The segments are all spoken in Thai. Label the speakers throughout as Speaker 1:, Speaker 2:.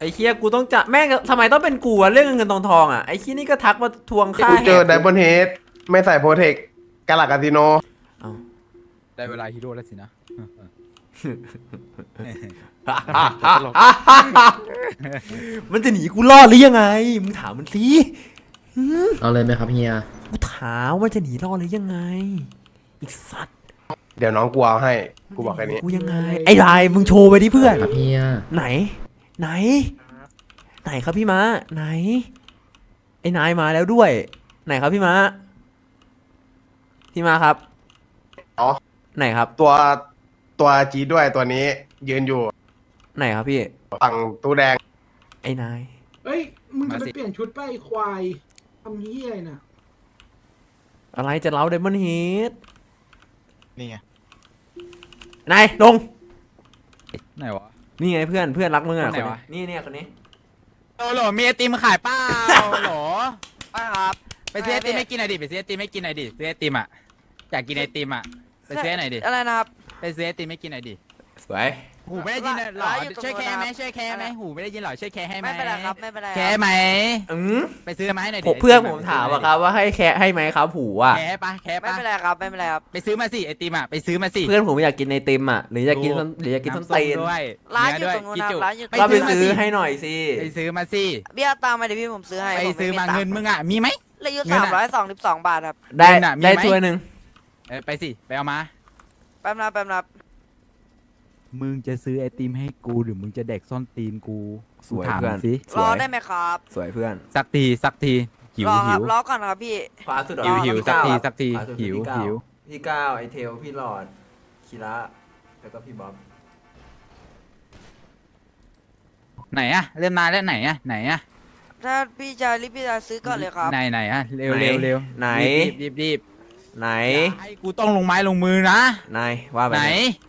Speaker 1: อ้เคียกูต้องจะแม่งทำไมต้องเป็นกูอะเรื่องเงินทองอ่ะไอ้เคียนี่ก็ทักมาทวงค่า
Speaker 2: กูเจอ
Speaker 1: แหก
Speaker 2: ไดมอนด์เฮดไม่ใส่โปรเทคกาลาคาสิโน
Speaker 1: เอ้า
Speaker 3: ได้เวลาฮีโร่แล้วสินะ
Speaker 1: มันจะหนีกูรอดหรือยังไงมึงถามมันสิ
Speaker 4: เอาเลยไหมครับเฮีย
Speaker 1: กูถามว่าจะหนีรอดหรือยังไงอีกสัตว์
Speaker 2: เดี๋ยวน้องกูเอาให้กูบอกแค่นี้
Speaker 1: กูยังไงไอ้ลายมึงโชว์ไปดิเพื่อน
Speaker 4: ครับเฮีย
Speaker 1: ไหนครับพี่ม้าไหนไอ้นายมาแล้วด้วยไหนครับพี่ม้าครับ
Speaker 2: อ๋อ
Speaker 1: ไหนครับ
Speaker 2: ตัวจีด้วยตัวนี้ยืนอยู่
Speaker 1: ไหนครับพี่
Speaker 2: ฝั่งตู้แดง
Speaker 1: ไอ้นาย
Speaker 5: เอ้ย มึงจะ
Speaker 3: มา
Speaker 5: ไป
Speaker 3: สิ
Speaker 5: เปลี่ยนชุดไปไอ้ควายทำเฮียอะไรน่ะ
Speaker 1: อะไรจะเล้าไดมอนด์เฮด
Speaker 3: นี่ไง
Speaker 1: นายลง
Speaker 3: ไหนวะ
Speaker 1: นี่ไงเพื่อนรักมึงอ่ะ
Speaker 3: คนไหนวะ
Speaker 1: นี่เนี่ยคนนี้
Speaker 3: โอ้โหมีไอติมขายเปล่าโหลป้าครับไปซื้อไอติมไม่กินหน่อยดิไปซื้อไอติมไม่กินหน่อยดิซื้อไอติมอ่ะอยากกินไอติมอ่ะไปซื้อหน่อยดิ
Speaker 6: อะไรนะครับ
Speaker 3: ไปซื้อไอติมไม่กินหน่อยดิ
Speaker 1: สวย
Speaker 3: หูไม่ได้ยินเหรอ
Speaker 6: ร้านอยู่ตรง
Speaker 3: ช่วยแคร์ไหม
Speaker 6: นู้นครับ
Speaker 3: ช่วยแคร์ไหมหูไม่ได้ยินเหรอช่วยแคร์ให้ไหม
Speaker 6: ไม่เป็นไรครับไม่เป็นไร
Speaker 3: แคร์ไหม
Speaker 1: อืม
Speaker 3: ไปซื้อมาให้หน่อย
Speaker 1: ผ
Speaker 3: ดิ
Speaker 1: มเพื่อนผมถามอะครับว่าให้แคะให้ไหมครับผูอ่ะ
Speaker 3: แคร์ปะแคร์
Speaker 6: ไม่
Speaker 3: ปะ
Speaker 6: เป็นไรครับไม่เป็นไรครับ
Speaker 3: ไปซื้อมาสิไอติมอ่ะไปซื้อมาสิ
Speaker 1: เพื่อนผมอยากกินไอติมอ่ะหรืออยากกินส้นหรืออยากกินส้น
Speaker 3: ำส้
Speaker 1: ตีน
Speaker 3: ด้วย
Speaker 6: ร้านอยู่
Speaker 3: เด้วย
Speaker 6: ตรงนู้น
Speaker 3: กิ
Speaker 6: นะ
Speaker 3: จุ
Speaker 6: ร้านอยู่ตรง
Speaker 1: ก็ไป
Speaker 6: นู้น
Speaker 1: ซื้อให้หน่อยสิ
Speaker 3: ไปซื้อมาสิ
Speaker 6: เบี้ยตามมาเดี๋ยวพี่ผมซื้อให้
Speaker 3: ไป
Speaker 6: ผ
Speaker 3: ซื้อมา
Speaker 6: ตั
Speaker 3: เงินมึงอ่ะมีไหม
Speaker 6: เหลยอยู่
Speaker 3: เงินอะ
Speaker 6: 322 บาทครับ
Speaker 1: ได้
Speaker 3: เงินอะมีไหม
Speaker 1: ได้ถ้วยหนึ่ง
Speaker 3: ไปสิไปเอามา
Speaker 6: แป๊บนะ
Speaker 3: มึงจะซื้อไอติมให้กูหรือมึงจะเด็กซ่อนตีนกู
Speaker 1: สวย
Speaker 3: ถาม
Speaker 1: เพื่อน
Speaker 3: สิ
Speaker 1: ส
Speaker 6: รอ
Speaker 1: วย
Speaker 6: ได้ไหมครับ
Speaker 1: สวยเพื่อน
Speaker 3: สักทีหิว
Speaker 6: รอค
Speaker 3: หิ
Speaker 6: รับ
Speaker 3: ว
Speaker 6: รอก่อนครับพี่
Speaker 1: ขวาสุด
Speaker 3: หิวหิว
Speaker 1: พี่
Speaker 3: สัก
Speaker 1: ก้าว
Speaker 3: ทีสักที
Speaker 1: ขวาสุด
Speaker 3: หิว
Speaker 1: พี่ก้า
Speaker 3: หิว
Speaker 1: พี่ก้าวไอเทลพี่หลอดคีระแล้วก็พี่บ๊อบ
Speaker 3: ไหนอะเริ่มนานแล้วไหนอะ
Speaker 6: ถ้าพี่จะรีบพี่จะซื้อก่อนเลยครับ
Speaker 3: ไหนอะเร็วเร็ว
Speaker 1: ไหน
Speaker 3: รีบ
Speaker 1: ไหน
Speaker 3: ไอ้กูต้องลงไม้ลงมือนะ
Speaker 1: นายว่าไป
Speaker 3: ไหน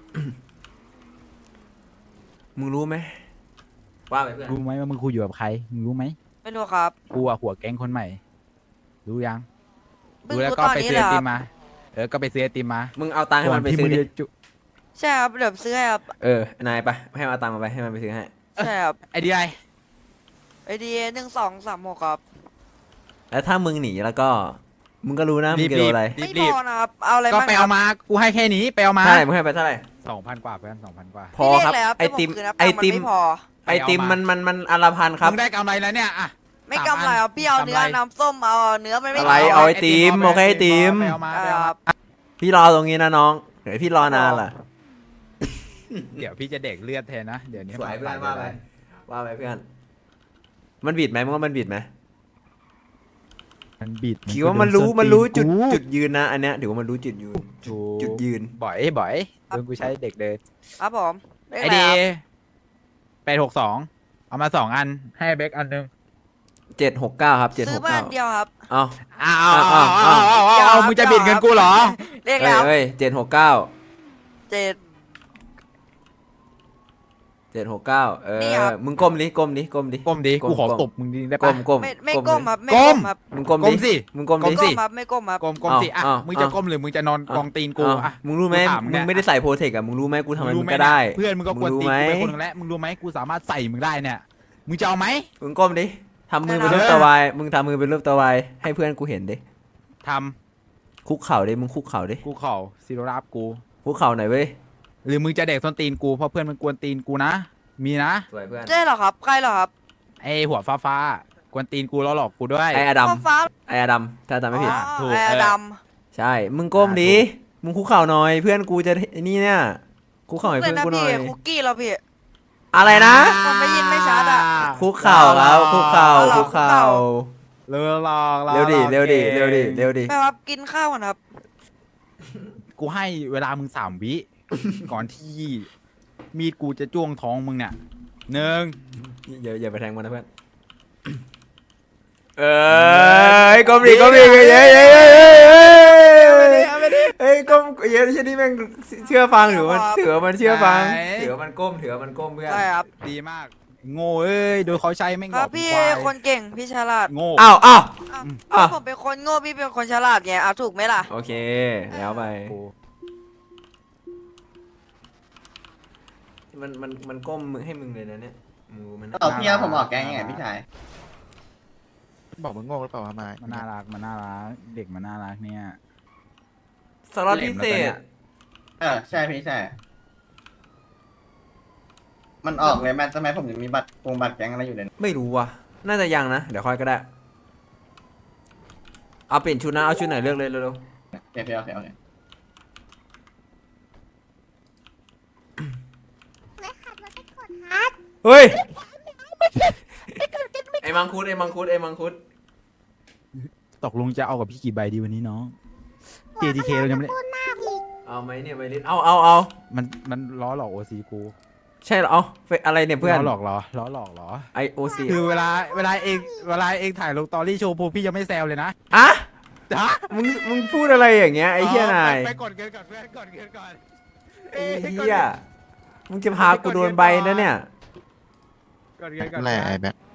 Speaker 1: มึงรู้ไหมว่าไปเพื่อน
Speaker 3: รู้ไหมว่ามึงคุยอยู่กับใครมึงรู้ไหม
Speaker 6: ไม่รู้ครับ
Speaker 3: กูอะหัวแก๊งคนใหม่ รู้ยัง
Speaker 6: เพิ่ง
Speaker 3: รู้แล้ว
Speaker 6: รู้
Speaker 3: ก็
Speaker 6: ตอน
Speaker 3: ไป
Speaker 6: นี้
Speaker 3: ซื้อ
Speaker 6: เล
Speaker 3: ไอย
Speaker 6: ค
Speaker 3: ติ
Speaker 6: รับ
Speaker 3: มมาก็ไปซื้อไอติมมา
Speaker 1: มึงเอาตังค์ให้มันไป
Speaker 3: ที่
Speaker 1: ซื้
Speaker 3: มึ
Speaker 1: อง ดิ
Speaker 3: จะจุ
Speaker 6: ใช่ครับเดี๋ยวซื้อให้ครับ
Speaker 1: นายไปให้มันเอาตังค์มาไปให้มันไปซื้อให้
Speaker 6: ใช่ครับ
Speaker 3: ไอเดีย
Speaker 6: ไอเดีย1236ครับ
Speaker 1: แล้วถ้ามึงหนีแล้วก็มึงก็รู้นะมึงจะโดนอะไร
Speaker 6: ไม่พอนะครับเอาอะไร
Speaker 3: ก็
Speaker 6: บ้าง
Speaker 3: ไป
Speaker 6: ค
Speaker 3: เอา
Speaker 6: รับ
Speaker 3: มากูให้แค่นี้ไปเอามา
Speaker 1: เท่าไหร่มึงให้ไปเท่าไหร่
Speaker 3: 2,000 กว่าเพื่อน2,000 กว่า
Speaker 1: พอครับ
Speaker 6: พี่เรียกะ
Speaker 1: ไอติม
Speaker 6: ให้ผคืนครับ
Speaker 1: ไอติม
Speaker 6: ตังค์นไม่พอ
Speaker 1: ไอติมมันอันละพันครับ
Speaker 3: มึงได้กำไรแล้วเนี่ยอะ
Speaker 6: ไม่กำไรครับพี่เอาเนื้อก
Speaker 3: ำไร
Speaker 6: น้ำส้มเอาเนื้อมันไม่
Speaker 1: อะไร
Speaker 6: พ
Speaker 1: เอาไอติมโอเคไอติม
Speaker 3: ไปเอามาไป
Speaker 6: ค
Speaker 3: เอามา
Speaker 6: รับ
Speaker 1: พี่รอตรงนี้นะน้องเดี๋ยวพี่รอนานล่ะ
Speaker 3: เดี๋ยวพี่จะเด็กเลือดแทนนะเดี๋ยวนี้
Speaker 1: สวยเพื่อน
Speaker 3: ป
Speaker 1: ว่าไปว่าไปเพื่อน มันบิดไหมมึงว่ามันบิดไหม
Speaker 3: มันบิด
Speaker 1: คิดว่ามันรู้จุดยืนนะอันเนี้ยถือว่ามันรู้จุดยืนจุดยืน
Speaker 3: บ่อยเพื่อนกูใช้เด็กเดิน
Speaker 6: ครับผมเลข
Speaker 3: ไอ
Speaker 6: อะไร
Speaker 3: เดี
Speaker 6: ครับ
Speaker 3: 862เอามา2 อันให้เบคอันนึง
Speaker 1: 769ครับ
Speaker 6: ซื้อมาอัน
Speaker 1: 769
Speaker 6: เดียวครับ
Speaker 1: เอ้า
Speaker 3: อ้าว
Speaker 6: เอา
Speaker 3: มึงจะบิดเงินกูเหรอ
Speaker 6: เลขอะไรครับ
Speaker 1: เอ้ย769
Speaker 6: 7 นี่ครับ
Speaker 1: มึงก้มดิ
Speaker 3: ก้มดิกูขอตบมึงดิได้
Speaker 1: ก้
Speaker 3: ปะ
Speaker 1: มก้ม
Speaker 6: ไม่ก้มครับไม่
Speaker 3: ก้
Speaker 6: ก้
Speaker 3: ม
Speaker 6: มครับ
Speaker 1: มึงก้ม
Speaker 3: ก้
Speaker 1: ดิ
Speaker 3: มสิ
Speaker 1: มึงก้ม
Speaker 3: ก้
Speaker 1: ดิ
Speaker 3: มสิ
Speaker 6: ครับไม่ก้มครับ
Speaker 3: ก้มสิอ่ะ
Speaker 1: อ้าว
Speaker 3: มึงจะก้มหรือมึงจะนอนกองตีนกู
Speaker 1: อ้าว
Speaker 3: อ่ะ
Speaker 1: มึงรู้ไหม
Speaker 3: กูถามมึง
Speaker 1: มึ
Speaker 3: เนี่
Speaker 1: ง
Speaker 3: ย
Speaker 1: ไม่ได้ใส่โปรเทคอะมึงรู้ไหมกูทำอะไร
Speaker 3: รู้
Speaker 1: มึง
Speaker 3: ไห
Speaker 1: ก็ได้
Speaker 3: เพื่อนมึงก็กวน
Speaker 1: รู้
Speaker 3: ตีน
Speaker 1: ไหม
Speaker 3: กูเป็นคนหนึ่งแล้วมึงรู้ไหมกูสามารถใส่มึงได้เนี่ยมึงจะเอาไหม
Speaker 1: มึงก้มดิทำมือเป็นรูปตัววายมึงทำมือเป็นรูปตัววายให้เพื่อนกูเห็นดิ
Speaker 3: ท
Speaker 1: คุกเข่าดิมึงคุกเข่าดิ
Speaker 3: ำกูเข่าซีโรราบกู
Speaker 1: คุกเข่าหน่อยเว้ย
Speaker 3: หรือมึงจะเด็กส้นตีนกูเพราะเพื่อนมันกวนตีนกูนะมีนะ
Speaker 1: สวยเพื่อน
Speaker 6: ใช่เหรอครับใครเหรอครับ
Speaker 3: ไอหัวฟ้ากวนตีนกูแล้วหลอกกูด้วย
Speaker 1: ไออดัม
Speaker 6: ฟ้า
Speaker 1: ไออดัมถ้าจำไม่ผิด
Speaker 6: อ๋อ
Speaker 3: ถูก
Speaker 6: ไอ้ด
Speaker 1: ใช่ มึงก้มดิ มึงคุกเข่าหน่อย เพื่อนกูจะนี่เนี่ย คุก
Speaker 6: ำ
Speaker 1: เข่าให้
Speaker 6: เลย
Speaker 1: เพื่อน
Speaker 6: นะ
Speaker 1: กูหน่
Speaker 6: พี่
Speaker 1: อย
Speaker 6: คุกกี้เราพี่
Speaker 1: อะไรนะ
Speaker 6: ผมไม่ยินไม่ชัดอะ
Speaker 1: คุกเข่าครับคุกเข่า
Speaker 6: เอาเหรอ
Speaker 1: คุกเข่า
Speaker 3: เร็วหลอก
Speaker 1: เร็วดิ เร็วดิ เร็วดิ เร็วดิ
Speaker 6: แม่ครับกินข้าวก่อนครับ
Speaker 3: กูให้เวลามึง3 วิ ก่อนที่มีดกูจะจ้วงท้องมึงเนี่ย1
Speaker 1: อย่าไปแทงมันนะเพื่อน ก้มดิก้มดิเฮ้ยเฮ้ยก้มเฮ้ยเช่นนี้แม่งเชื่อฟังหรือมันถือว่ามันเชื่อฟัง
Speaker 3: ไหน
Speaker 1: ถือว่ามันก้มถือว่ามันก้มเพื่อน
Speaker 6: ใช่ครับ
Speaker 3: ดีมาก โง่เอ้ยโดยเขาใช้ไม่ง
Speaker 6: ค
Speaker 3: หล
Speaker 6: รั
Speaker 3: อบ ก
Speaker 6: พี่
Speaker 3: ควาย
Speaker 6: คนเก่งพี่ฉลาด
Speaker 3: โง่
Speaker 1: อ้าว
Speaker 6: อ้าว
Speaker 1: อ่ะ
Speaker 6: ผมเป็นคนโง่พี่เป็นคนฉลาดไงเอาถูกไหมล่ะ
Speaker 1: โอเค แล้วไป มันก้มให้มึงเลยนะเนี่ย
Speaker 7: ตอบพี่ครับผมออกแก๊งยังไงพี่ชาย
Speaker 8: บอกมึงโง่หรือเปล่าทำไม
Speaker 3: มันน่ารักมันน่ารักเด็กมันน่ารักเนี่ย
Speaker 1: สล็อตพิเศษ
Speaker 7: ใช่พี่ใช่ มันออกเลยมันทำไมผมถึงมีบัตรบัตรแก๊งอะไรอยู่เลย
Speaker 1: ไม่รู้ว่ะ น่าจะยังนะ เดี๋ยวค่อยก็ได้ เอาเปลี่ยนชุดนะ เอาชุดไหนเลือกเลยเร็ว
Speaker 7: โอเคโอเคโอเค
Speaker 1: ๆเฮ้ย ไอ้มังคุดไอ้มังคุดไอ้มังคุด
Speaker 3: ตกลงจะเอากับพี่กี่ใบดีวันนี้น้อง JDK เรายังไม่ได้
Speaker 1: เอาไหมเนี่ยไวลิสเอา
Speaker 3: มันล้อหลอกโอซีกู
Speaker 1: ใช่เหรอเอาอะไรเนี่ยเพื่อน
Speaker 3: ล้อหลอกเหรอล้อหลอกเหรอ
Speaker 1: ไอโอซี
Speaker 3: คือเวลาเองถ่ายลงตอรี่โชว์พวกพี่ยังไม่แซวเลยนะ
Speaker 1: อะ
Speaker 3: ฮะ
Speaker 1: มึงพูดอะไรอย่างเงี้ยไอ้เหี้ยนาย
Speaker 3: ไปกดเงินก่อนเพื่อนกดเงินก่อน
Speaker 1: ไอ้เหี้ยมึงจะพากูโดนใบนะเนี่ย
Speaker 3: กดเงินก่อน
Speaker 8: แหละไอ้แบ็ค